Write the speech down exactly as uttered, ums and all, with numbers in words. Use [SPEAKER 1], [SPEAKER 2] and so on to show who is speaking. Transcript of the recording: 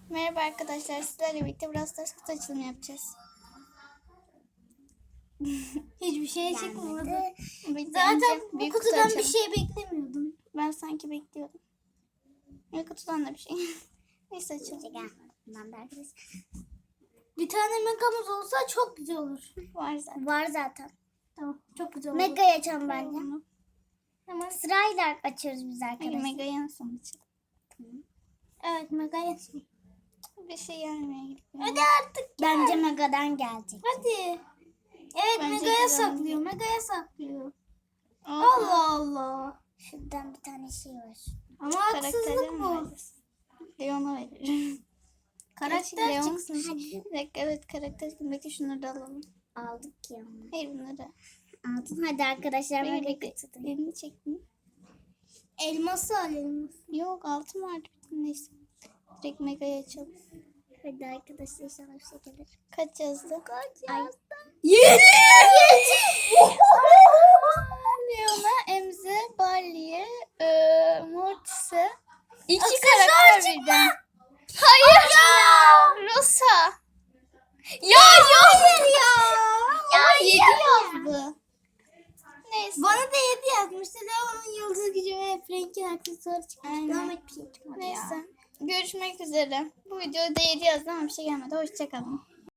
[SPEAKER 1] Merhaba arkadaşlar, sizlerle birlikte Brawl Stars kutu açılımı yapacağız.
[SPEAKER 2] Hiçbir şey çıkmadı.
[SPEAKER 1] Zaten
[SPEAKER 2] bu
[SPEAKER 1] büyük
[SPEAKER 2] kutudan
[SPEAKER 1] kutu
[SPEAKER 2] bir şey beklemiyordum.
[SPEAKER 1] Ben sanki bekliyordum. Büyük kutudan da bir şey. Neyse açalım.
[SPEAKER 2] Bir tane megamız olsa çok güzel olur.
[SPEAKER 1] Var zaten.
[SPEAKER 3] Var zaten.
[SPEAKER 2] Tamam, çok güzel olur.
[SPEAKER 3] Mega açalım bence.
[SPEAKER 1] Bunu.
[SPEAKER 3] Hemen sırayla açıyoruz biz
[SPEAKER 1] Hayır,
[SPEAKER 3] arkadaşlar.
[SPEAKER 1] mega yansın açalım.
[SPEAKER 2] Evet, mega yesin.
[SPEAKER 1] Bir şey gelmiyor gibi.
[SPEAKER 2] Hadi artık.
[SPEAKER 3] Bence Mega'dan gelecek.
[SPEAKER 2] Hadi. Evet,
[SPEAKER 1] Bence
[SPEAKER 2] megaya
[SPEAKER 1] güzel.
[SPEAKER 2] saklıyor. Megaya saklıyor.
[SPEAKER 1] Aa,
[SPEAKER 2] Allah Allah.
[SPEAKER 3] Şuradan bir tane şey var.
[SPEAKER 2] Ama
[SPEAKER 1] karakterleri
[SPEAKER 2] haksızlık
[SPEAKER 1] mi
[SPEAKER 2] bu.
[SPEAKER 1] vereceğiz? Leon'a veririm.
[SPEAKER 2] Karakter
[SPEAKER 1] Leon-
[SPEAKER 2] çıksın.
[SPEAKER 1] Bir dakika, evet karakter. Belki şunları da alalım.
[SPEAKER 3] Aldık ya onu.
[SPEAKER 1] Hayır bunları.
[SPEAKER 3] Aldın hadi arkadaşlar.
[SPEAKER 1] Hayır,
[SPEAKER 3] Mega
[SPEAKER 1] bekle.
[SPEAKER 3] kutudan.
[SPEAKER 1] Elini çektim.
[SPEAKER 2] Elması al elması.
[SPEAKER 1] Yok altın vardı. Neyse. Direkt mega'yı açalım.
[SPEAKER 3] Hadi arkadaşlar inşallah bir şey gelir.
[SPEAKER 1] Kaç yazdı?
[SPEAKER 3] Kaç
[SPEAKER 1] Ay.
[SPEAKER 3] yazdı?
[SPEAKER 1] Yedi! Leon'a, Emze, Barley'e, e, Mortis'e. İki karakter birden. Hayır ya! Rosa. Ya hayır ya! Ya yedi yazdı. Neyse.
[SPEAKER 2] Bana da yedi yazmıştı. Leon'un yıldız gücü ve Frank'in aksesuarı çıkmıştı.
[SPEAKER 1] Aynen.
[SPEAKER 2] Ama hiçbir şey çıkmadı ya.
[SPEAKER 1] Neyse. Görüşmek üzere. Bu videoda yedi yazdı ama bir şey gelmedi. Hoşçakalın.